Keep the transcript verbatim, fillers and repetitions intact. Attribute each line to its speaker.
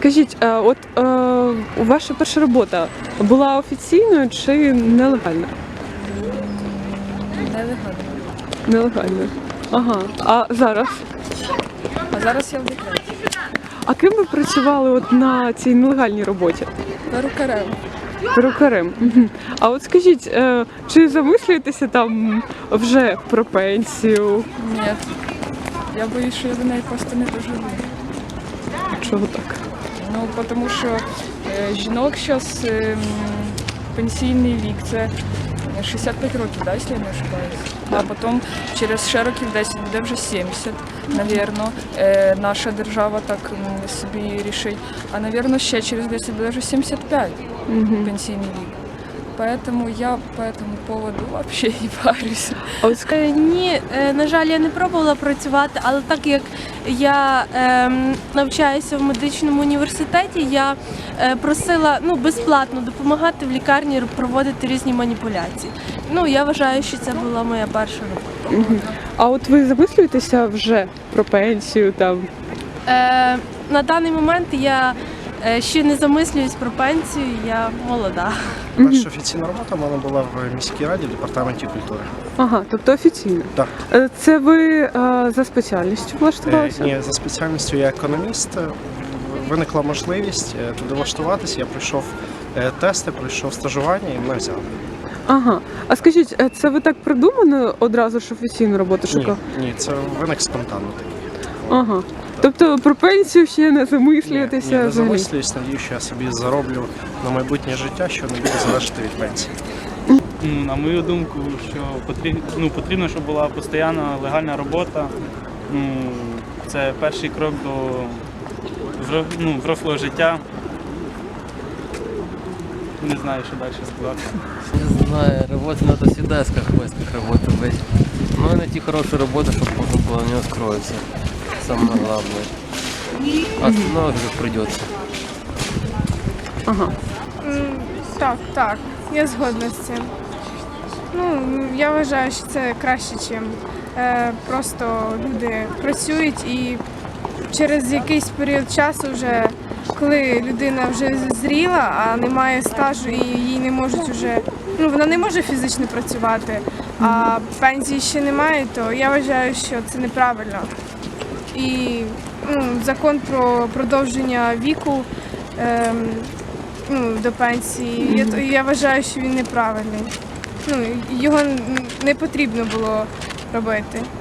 Speaker 1: Скажіть, е, от е, ваша перша робота була офіційною чи нелегальною?
Speaker 2: Нелегально.
Speaker 1: Нелегальною. Ага. А зараз?
Speaker 2: А зараз я в декреті.
Speaker 1: А ким ви працювали от на цій нелегальній роботі?
Speaker 2: Перукарем.
Speaker 1: Перукарем. Мгм. А от скажіть, е, чи замислюєтеся там вже про пенсію?
Speaker 2: Ні. Я боюсь, що я до неї просто не доживу.
Speaker 1: Чого так?
Speaker 2: Ну, тому що е, жінок зараз е, м, пенсійний вік це шістдесят п'ять років, да, якщо я не ошибаюсь. А потім через ще років десять буде вже сімдесят, навірно. Е, наша держава так м, собі рішить. А, навірно, ще через десять буде вже сімдесят п'ять пенсійний вік. Поэтому я по этому поводу вообще не парюсь.
Speaker 1: А от ск-
Speaker 3: Е, Ні, е, на жаль, я не пробувала працювати, але так як я ем, навчаюся в медичному університеті, я е, просила ну, безплатно допомагати в лікарні проводити різні маніпуляції. Ну, я вважаю, що це була моя перша робота.
Speaker 1: Мгм. А от ви замислюєтеся вже про пенсію там?
Speaker 3: Е, на даний момент я е, ще не замислююсь про пенсію, я молода.
Speaker 4: Перша офіційна робота в мене була в міській раді в департаменті культури.
Speaker 1: Ага, тобто офіційно.
Speaker 4: Так.
Speaker 1: Е, Це ви е, за спеціальністю
Speaker 4: Е,
Speaker 1: влаштувалися?
Speaker 4: Ні, за спеціальністю я економіст. Е, Виникла можливість е, туди влаштуватися. Я пройшов е, тести, пройшов стажування і мене взяли.
Speaker 1: Ага. А скажіть, е, це ви так придумано одразу ж офіційну роботу
Speaker 4: Ні,
Speaker 1: шукав?
Speaker 4: ні, це виник спонтанно такий.
Speaker 1: Ага. Тобто про пенсію ще не замислюєтеся?
Speaker 4: Ні, не
Speaker 1: взагалі?
Speaker 4: замислююсь, надію, що я собі зароблю на майбутнє життя, що не буде залежати від пенсії.
Speaker 5: Ну, на мою думку, що потрібно, ну, потрібно, щоб була постійна легальна робота. Ну, це перший крок до взро- ну, взрослого життя. Не знаю, що далі сказати.
Speaker 6: Не знаю, работать надо всегда искать в поисках работы быть. Но найти хорошую работу, чтобы можно было на нее устроиться. Самое главное. А остальное уже как придется.
Speaker 1: Ага.
Speaker 7: М, Так, так, я згодна з цим. Ну, я вважаю, що це краще, ніж е, просто люди працюють і через якийсь період часу, вже, коли людина вже зріла, а немає стажу і їй не можуть вже, ну вона не може фізично працювати, а пенсії ще немає, то я вважаю, що це неправильно. І ну, закон про продовження віку ем, ну, до пенсії, я, я вважаю, що він неправильний. Ну, його н- не потрібно було робити.